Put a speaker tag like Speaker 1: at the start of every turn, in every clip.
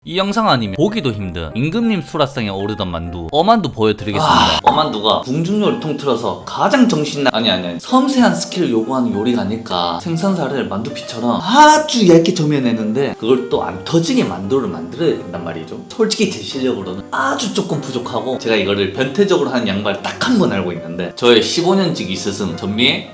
Speaker 1: 이 영상 아니면 보기도 힘든 임금님 수라상에 오르던 만두 어만두 보여드리겠습니다. 어만두가 궁중요리 통틀어서 가장 아니 섬세한 스킬을 요구하는 요리가 아닐까. 생선살을 만두피처럼 아주 얇게 저며내는데 그걸 또 안 터지게 만두를 만들어야 된단 말이죠. 솔직히 제 실력으로는 아주 조금 부족하고 제가 이거를 변태적으로 하는 양반을 딱 한 번 알고 있는데 저의 15년지기 스승 전미의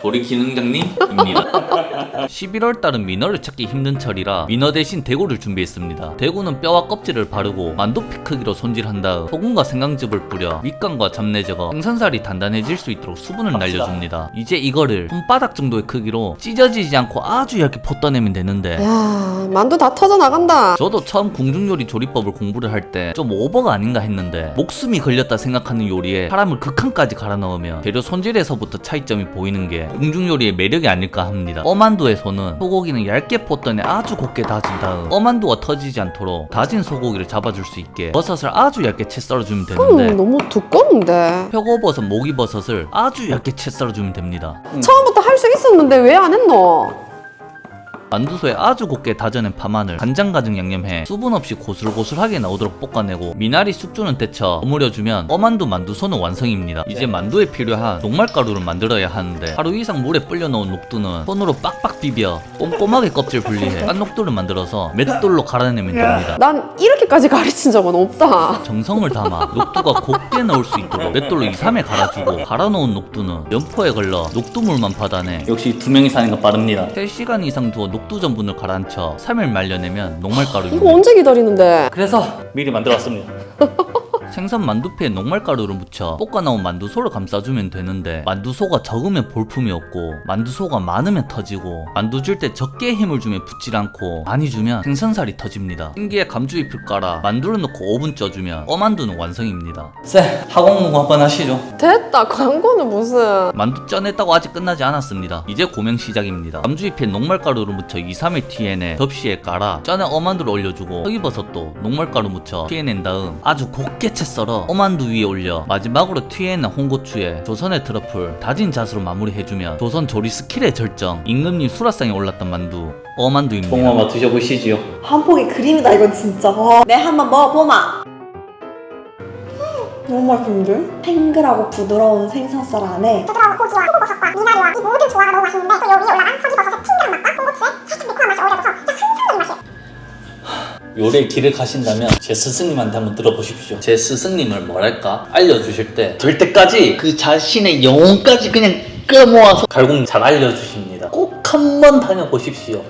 Speaker 1: 조리기능장님입니다. 11월달은 민어를 찾기 힘든 철이라 민어 대신 대구를 준비했습니다. 대구는 뼈와 껍질을 바르고 만두피 크기로 손질한 다음 소금과 생강즙을 뿌려 밑간과 잡내 제거, 생선살이 단단해질 수 있도록 수분을 날려줍니다. 이제 이거를 손바닥 정도의 크기로 찢어지지 않고 아주 얇게 퍼떠내면 되는데
Speaker 2: 야, 만두 다 터져 나간다.
Speaker 1: 저도 처음 궁중요리 조리법을 공부를 할 때 좀 오버가 아닌가 했는데 목숨이 걸렸다 생각하는 요리에 사람을 극한까지 갈아 넣으면 재료 손질에서부터 차이점이 보이는 게 궁중요리의 매력이 아닐까 합니다. 어만두에서는 소고기는 얇게 퍼떠내 아주 곱게 다진 다음 어만두가 터지지 않도록 다진 소고기를 잡아줄 수 있게 버섯을 아주 얇게 채 썰어주면 되는데
Speaker 2: 너무 두꺼운데.
Speaker 1: 표고버섯, 목이버섯을 아주 얇게 채 썰어주면 됩니다.
Speaker 2: 처음부터 할 수 있었는데 왜 안 했노?
Speaker 1: 만두소에 아주 곱게 다져낸 파마늘, 간장 가득 양념해 수분 없이 고슬고슬하게 나오도록 볶아내고 미나리 숙주는 데쳐 버무려주면 어만두 만두소는 완성입니다. 이제 만두에 필요한 녹말가루를 만들어야 하는데 하루 이상 물에 불려놓은 녹두는 손으로 빡빡 비벼 꼼꼼하게 껍질 분리해 깐 녹두를 만들어서 맷돌로 갈아내면 됩니다.
Speaker 2: 난 이렇게까지 가르친 적은 없다.
Speaker 1: 정성을 담아 녹두가 곱게 나올 수 있도록 맷돌로 2-3회 갈아주고 갈아놓은 녹두는 연포에 걸러 녹두물만 받아내
Speaker 3: 역시 두 명이 사니까 빠릅니다.
Speaker 1: 3시간 이상 두어 녹두 전분을 가라앉혀 3일 말려내면 녹말가루입니다.
Speaker 2: 이거 언제 기다리는데?
Speaker 3: 그래서 미리 만들어왔습니다.
Speaker 1: 생선 만두피에 녹말가루를 묻혀 볶아 나온 만두소를 감싸주면 되는데 만두소가 적으면 볼품이 없고 만두소가 많으면 터지고 만두 줄 때 적게 힘을 주면 붙질 않고 많이 주면 생선살이 터집니다. 흰기에 감주잎을 깔아 만두를 넣고 5분 쪄주면 어만두는 완성입니다.
Speaker 3: 쌤, 학원 공부 한번 하시죠.
Speaker 2: 됐다. 광고는 무슨.
Speaker 1: 만두 쪄냈다고 아직 끝나지 않았습니다. 이제 고명 시작입니다. 감주잎에 녹말가루를 묻혀 2-3일 티해내 접시에 깔아 쪄낸 어만두를 올려주고 허기버섯도 녹말가루 묻혀 티해낸 다음 아주 곱게 채 썰어 어만두 위에 올려 마지막으로 튀어낸 홍고추에 조선의 트러플, 다진 잣으로 마무리해주면 조선 조리 스킬의 절정 임금님 수라상에 올랐던 만두 어만두입니다.
Speaker 3: 봉 한번 드셔보시지요.
Speaker 4: 한 폭의 그림이다 이건 진짜. 내 한번 먹어보마. 너무 맛있는데? 탱글하고 부드러운 생선살 안에
Speaker 5: 부드러운 고기와 호버섯과 미나리와 이 모든 조화가 너무 맛있는데 또 여기에 올라간 서기버섯의 핑크한 맛과 홍고추의 살짝 매콤한 맛이 어우러져서 그냥 한상적인 맛이에요.
Speaker 3: 요리의 길을 가신다면 제 스승님한테 한번 들어보십시오. 제 스승님을 뭐랄까 알려주실 때 될 때까지 그 자신의 영혼까지 그냥 끌어모아서 갈공 잘 알려주십니다. 꼭 한번 다녀보십시오.